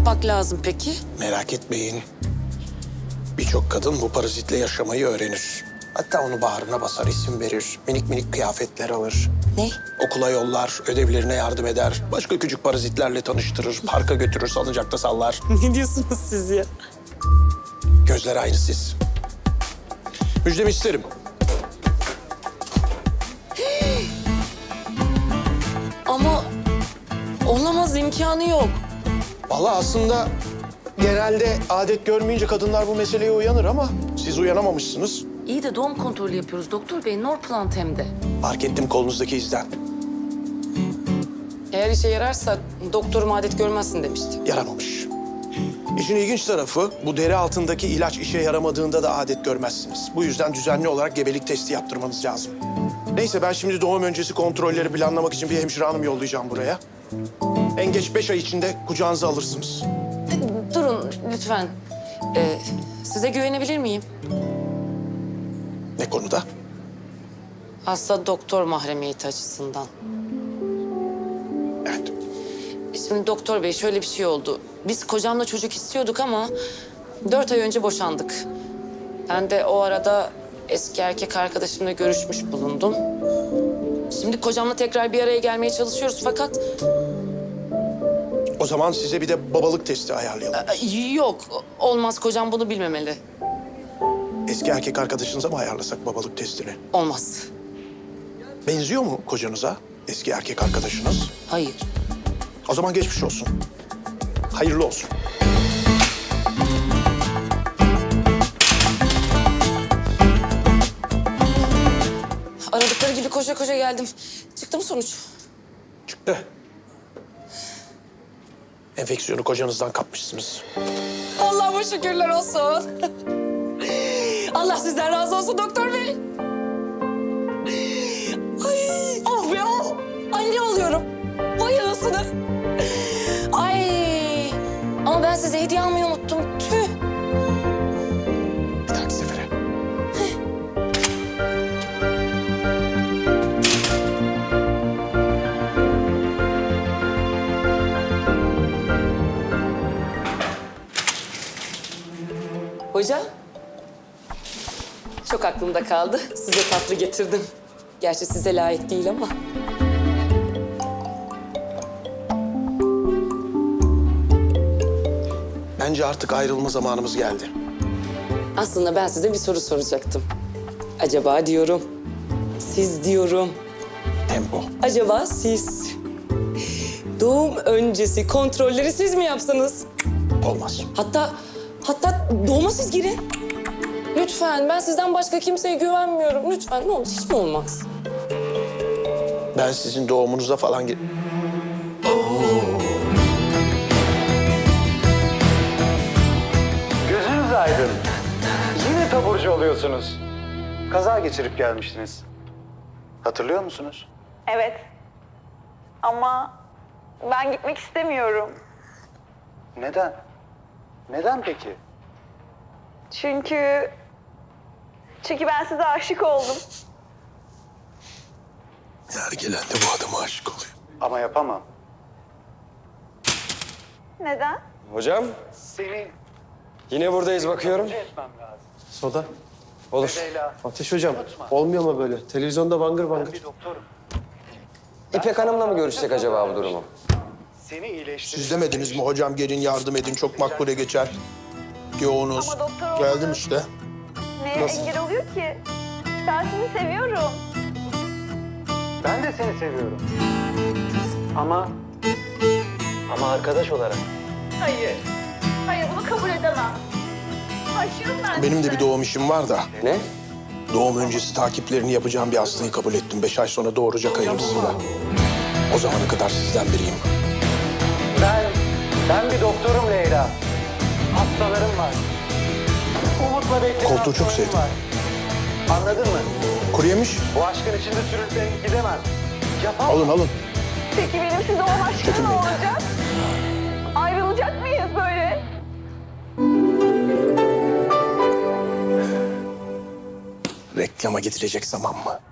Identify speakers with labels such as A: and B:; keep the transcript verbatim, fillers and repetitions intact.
A: yapmak lazım peki?
B: Merak etmeyin. Birçok kadın bu parazitle yaşamayı öğrenir. Hatta onu bağrına basar, isim verir. Minik minik kıyafetler alır.
A: Ne?
B: Okula yollar, ödevlerine yardım eder. Başka küçük parazitlerle tanıştırır. Parka götürür, salıncakta sallar.
A: Ne diyorsunuz siz ya?
B: Gözleri aynı siz. Müjdemi isterim.
A: Ama olamaz, imkanı yok.
B: Vallahi aslında genelde adet görmeyince kadınlar bu meseleye uyanır ama siz uyanamamışsınız.
A: İyi de doğum kontrolü yapıyoruz doktor bey. Norplant hem de.
B: Fark ettim kolunuzdaki izden.
A: Eğer işe yararsa doktorum adet görmezsin demişti.
B: Yaramamış. İşin ilginç tarafı bu deri altındaki ilaç işe yaramadığında da adet görmezsiniz. Bu yüzden düzenli olarak gebelik testi yaptırmanız lazım. Neyse ben şimdi doğum öncesi kontrolleri planlamak için bir hemşire hanım yollayacağım buraya. En geç beş ay içinde kucağınıza alırsınız.
A: Durun lütfen. Ee, size güvenebilir miyim?
B: Ne konuda?
A: Hasta doktor mahremiyeti açısından.
B: Evet.
A: Şimdi doktor bey şöyle bir şey oldu. Biz kocamla çocuk istiyorduk ama dört ay önce boşandık. Ben de o arada eski erkek arkadaşımla görüşmüş bulundum. Şimdi kocamla tekrar bir araya gelmeye çalışıyoruz fakat...
B: O zaman size bir de babalık testi ayarlayalım.
A: e, Yok, olmaz. Kocam bunu bilmemeli.
B: Eski erkek arkadaşınıza mı ayarlasak babalık testini?
A: Olmaz.
B: Benziyor mu kocanıza eski erkek arkadaşınız?
A: Hayır.
B: O zaman geçmiş olsun. Hayırlı olsun.
A: Aradıkları gibi koşa koşa geldim. Çıktı mı sonuç?
B: Çıktı. Enfeksiyonu kocanızdan kapmışsınız.
A: Allah'ıma şükürler olsun. Allah sizden razı olsun doktor bey. Ay, oh be oh. Anne oluyorum. Vay anasını. Ay. Ama ben size hediye almayı unuttum. Tüh.
B: Bir dahaki sefere.
A: Hoca. Çok aklımda kaldı. Size tatlı getirdim. Gerçi size layık değil ama.
B: Bence artık ayrılma zamanımız geldi.
A: Aslında ben size bir soru soracaktım. Acaba diyorum. Siz diyorum.
B: Tempo.
A: Acaba siz doğum öncesi kontrolleri siz mi yapsanız?
B: Olmaz.
A: Hatta hatta doğuma siz girin. Lütfen, ben sizden başka kimseye güvenmiyorum. Lütfen, ne olur, hiç mi olmaz?
B: Ben sizin doğumunuza falan gir...
C: Gözünüz aydın. Yine taburcu oluyorsunuz. Kaza geçirip gelmiştiniz. Hatırlıyor musunuz?
D: Evet. Ama ben gitmek istemiyorum.
C: Neden? Neden peki?
D: Çünkü... Çünkü ben size aşık oldum.
B: Her gelen de bu adama aşık oluyor.
C: Ama yapamam.
D: Neden?
E: Hocam,
C: Seni
E: yine buradayız bakıyorum.
C: etmem lazım.
F: Soda. Olur.
C: Leyla,
F: Ateş hocam, olmuyor mu böyle? Televizyonda bangır bangır.
C: bir doktorum.
E: İpek Hanım'la mı görüşsek acaba bu durumu?
C: Seni iyileştir.
B: Siz demediniz mi hocam gelin yardım edin çok makbule geçer. Yoğunuz.
D: Ama doktor olmadı.
B: Geldim işte.
D: Neye
B: Nasıl?
D: engel oluyor ki? Ben sizi seviyorum.
C: Ben de seni seviyorum. Ama... Ama arkadaş olarak.
D: Hayır. Hayır, bunu kabul edemem. Aşığım ben
B: Benim de
D: size.
B: bir doğum işim var da.
E: Ne?
B: Doğum öncesi takiplerini yapacağım bir hastayı kabul ettim. Beş ay sonra doğuracak hayırlısıyla. O zamana kadar sizden biriyim.
C: Ben... Ben bir doktorum Leyla. Hastalarım var. Umutla beklenen
B: Koltuğu çok
C: hastalarım
B: sevdim.
C: var. Anladın mı?
B: Kuru yemiş.
C: Bu aşkın içinde sürünseniz gidemem. Yapamam.
B: Alın alın.
D: Peki benim size olan aşkım ne
B: Çekinmeyin.
D: olacak? Ayrılacak mıyız böyle?
B: Reklama gidilecek zaman mı?